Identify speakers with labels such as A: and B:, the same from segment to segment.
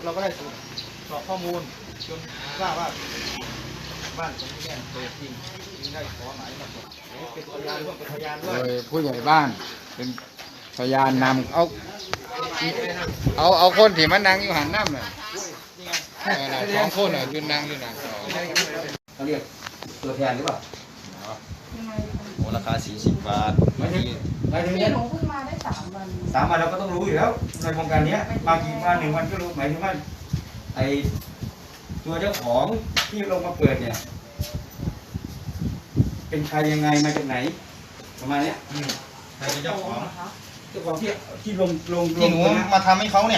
A: เราก็ได้สอบข้อมูลจนทราบว่าบ้านตรงนี้เนี่ยโดยจริงจึงได้ขอหมายมาตรวจเป็นพยานร่วมเป็นพยานด้
B: โด
A: วย
B: ยผู้ใหญ่บ้านเป็นพยานนำเอาคนที่มันนั่งอยู่หันน้ำน่ะสองคนยืนนั่งอยู่นั่ง
C: เขาเรียกตัวแทนหรือเปล่า
D: โอ้ราคา40 บาท
C: หมายถึง
E: พี่หนูเพิ่งมาได้3 วัน
C: 3 วันเราก็ต้องรู้อยู่แล้วในโครงการนี้มากี่วัน1 วันก็รู้หมายถึงว่าไอตัวเจ้าของที่ลงมาเปิดเนี่ยเป็นใครยังไงมาจากไหนประมาณเนี้ย
D: ใครเป็นเจ้าของ
C: เจ้าของที่ลง
D: ที่หนูมาทำให้เขาเนี่ย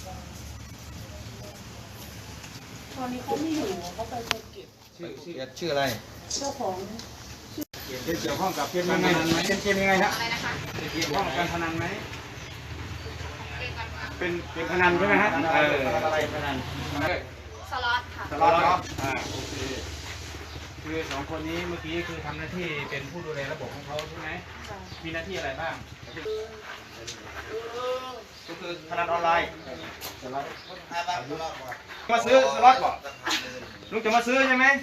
E: ตอนนี้เขาไม่อยู่เขาไปภูเก็บ
D: ชื่ออะไร
E: เจ้าของ
C: เกี่ยวข้องกับเกมยังไงเป็นเกมยังไงนะเกี่ยวข้องกับการพนันไหมเป็นพนันใช่ไหมฮะอะไรพนัน
E: สล็อตค่ะ
C: ตลอดเนาะ
F: โอเคคือ2 คนนี้เมื่อกี้คือทำหน้าที่เป็นผู้ดูแลระบบของเขาใช่ไหมมีหน้าที่อะไรบ้าง
C: ก็คือพนันออนไลน์มาซื้อสล็อตบ่ลุงจะมาซื้อใช่ไหม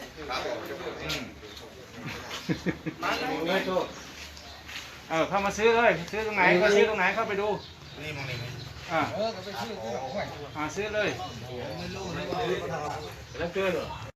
C: เข้ามาซื้อเลยซื้อตรงไหนก็ซื้อตรงไหนเข้าไปดู
D: นี่มองนี่
C: ซื้อเลยแล้วเจอเหรอ